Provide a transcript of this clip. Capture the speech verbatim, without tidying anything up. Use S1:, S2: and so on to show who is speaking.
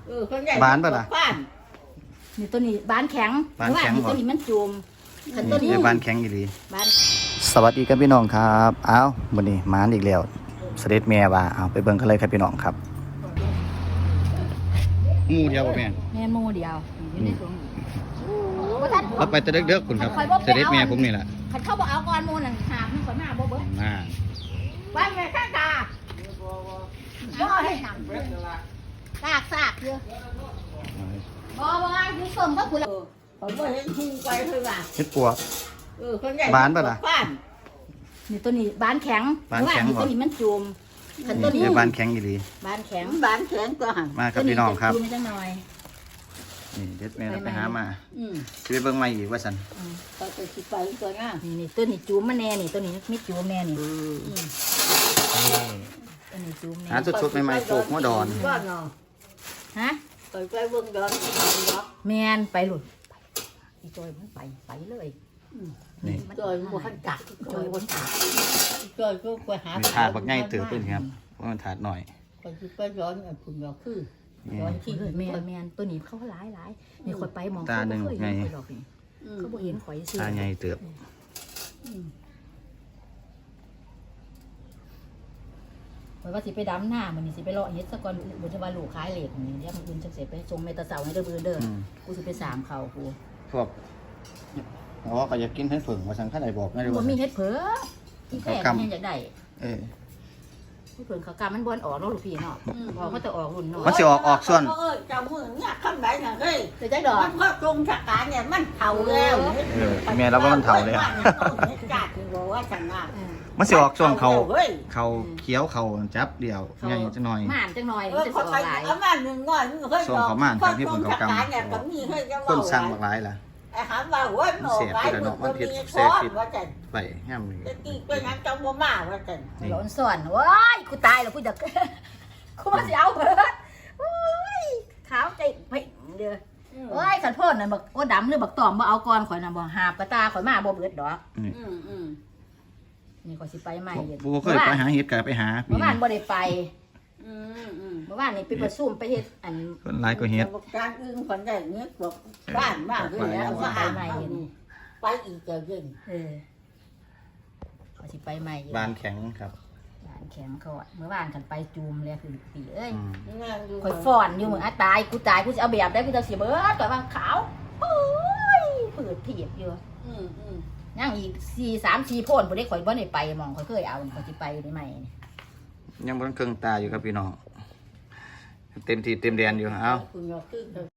S1: บ้านป่ะล่ะ
S2: นี่ตัวนี้บ้านแข็ง
S1: บ้านแข็ง
S2: ตัวนี้มันจุ่มขันตัวนี้
S1: บ้านแข็งอีหลี
S2: บ้าน
S1: สวัสดีครับพี่น้องครับอ้าววันนี้มานอีกแล้วเสด็จแม่ว่าเอาไปเบิ่งกันเลยครับพี่น้องครับหมู่เดียวบ่แม่น
S2: แม่โมเดียวอยู่ในถุง
S1: เราไปแต่เด็กๆคุณครับเสด็จแม่ผมนี่แหละ
S2: ขันเข้าบ่เอาก่อนโมนั่นหามมันก่อนหน้าบ่เบิ้ล
S1: น่า
S2: ว่าแม่ข้างตาบ่ให้หนังซากซากเยอะบ่บ่อยู่ส้มก็คุณผมบ่เห็นทุ่งไปเท่าไหร่
S1: เฮ็ดปัว
S2: เออคนใหญ่
S1: บ้านป่ะล่ะ
S2: บ้านนี่ตัวนี้บ้านแข็ง
S1: บ้านแข็ง
S2: ตัวนี้มันจุ่มขันตัวนี้
S1: นี่บ้านแข็งอีหลี
S2: บ้านแข็งบ้านแข็งตัวหัน
S1: มาครับพี่น้องครับ
S2: ตัวนี้จะจุ่มจังหน่อย
S1: นี่เด็ดแม่เราไปหามา
S2: อืม
S1: สิไปเบิ่งใหม่อีกว่าซั่น
S2: ก็จะคิดไปตัวน่ะนี่นี่ตัวนี้จูมมาแน่นี่ตัวนี้ไม่จูมแน่นี่ตัวนี้จูมแน่
S1: หาสดๆใหม่ๆปลูกหัวดอน
S2: บ้านเนาะฮะไปไปเบิ่งดอนแมนไปหลุดอีจอยมันไปไปเลย
S1: นี่
S2: จอยบ่ทันกัดจอยบ่ทันกัดจอยก็ไปหา
S1: มีถาดบักใหญ่เติบเพิ่นครับเพราะมันถาดหน่อย
S2: ไปสิไปย้อนอันพุ่นก็คือย้อนที่แม่นแม่นตัวนี้เขาหลายหลายนี่คนไปมองเขาบ่เคยเห็นข่อยดอกนี่เขาบ่เห็นข่อยซื่อ
S1: ตาใหญ่เติบ
S2: ข่อยว่าสิไปดำหน้ามันนี่สิไปเลาะเฮ็ดซะก่อนบ่จะว่าลูกขายเหล็กนี่เดี๋ยวมันอื่นจังสิไปส่งแม่ตาเสาให้เด้อเบิ่นเด้อกูสิไปสามเขากู
S1: พวกอ๋อก็อยากกินเฮ็ดเผิงว่าซั่นคั่นได้บอกได้
S2: บ่
S1: ว่า
S2: มีเฮ็ดเผลอที่แท้แม่อยากได้
S1: เออ
S2: เฮ็ดเผลอเขากามันบ่ออกเนาะลูกพี่เนาะบ่เขาจะออกรุ่นเนาะ
S1: มันสิออกออกส่วน
S3: เออเจ้ามือเนี่ยคำไหนน่ะเฮ้ย
S2: จะได้ดอก
S3: มันก็ตรงชะการเนี่ยมันเผาแล้ว
S1: เออแม่เราว่ามันเฒ่าแล้ว
S3: จัดบอกว่าฉันว่า
S1: มันสิออกช่วงเขา
S3: เฮ้ย
S1: เขาเคี้ยวเขาจับเดียวใหญ่จังหน่อย
S2: ม่านจังหน่อย
S3: เอ
S2: มัน
S3: อ
S2: จะสิ
S3: เขา
S2: ออ
S3: ไป
S2: กหลาย
S3: เอามาหนึ่งง่อยเฮ้ย
S1: ส่งเขาม่านทางที่
S3: ต
S1: ผ
S3: ร
S1: ม
S3: ง
S1: เขา
S3: ชะ
S1: กำ
S3: การเนี่ยก็มีเฮ้ยจะ
S1: คนสั่งบักหลายล่ะ
S3: ไอ้หามว่าเฮ้ยหมอหลายมือก็มีซ้อนว่าฉัน
S1: ไปห้ามเลย
S3: ตะกี้เป็นงั้นจังบ่มาว่าฉัน
S1: นี่
S2: ร้อนส่วนว้ายกูตายแล้วกูจะ กูมาสิเอาเบิดโอ้ยขาวใจไปเด้อโอ้ยขันโพดน่ะบักโอ้ดำหรือบักตอมบ่เอาก่อนข่อยน่ะบ่หาบกระตาข่อยมาบ่เบิดดอก
S1: นี่
S3: อืมอืม
S2: นี่ข่อยสิไปใหม่เย็น
S1: บูเคยไปหาเห็ดกันไปหาปี
S2: เมื่อวานบ่ได้ไป
S3: อืมอืม
S2: เมื่อวานนี่ไปประชุมไปเฮ็ดอัน
S1: คนหลายก็เห็ด
S3: การอื่นคนได้เนี้ยบอกบ้านบ้านเลยแล้วว่าอ่านไปอีกเจอเย็น
S2: เออข่อยสิไปใหม่เย็น
S1: บานแข็งครับ
S2: บ้านแข็งเขาอะเมื่อวานกันไปจูมเลยคือปีเอ้ย
S1: อืม
S2: ข่อยฟ้อนอยู่เหมือนอาตายกูตายกูจะเอาแบบได้กูจะเสียเบิดก่อนว่าขาวโอ้ยเปิดเพียบอยู่
S3: อืมอืม
S2: ย่างอีกสี่สามสี่โพ่นบ่ได้ข่อยบ่ได้ไปมองข่อยเคยเอาข่อยสิไปได้ไหม
S1: ยังบนเครื่องตาอยู่ครับพี่น้องเต็มที่เต็มแดนอยู่เอ้า
S3: คุณยกขึ้น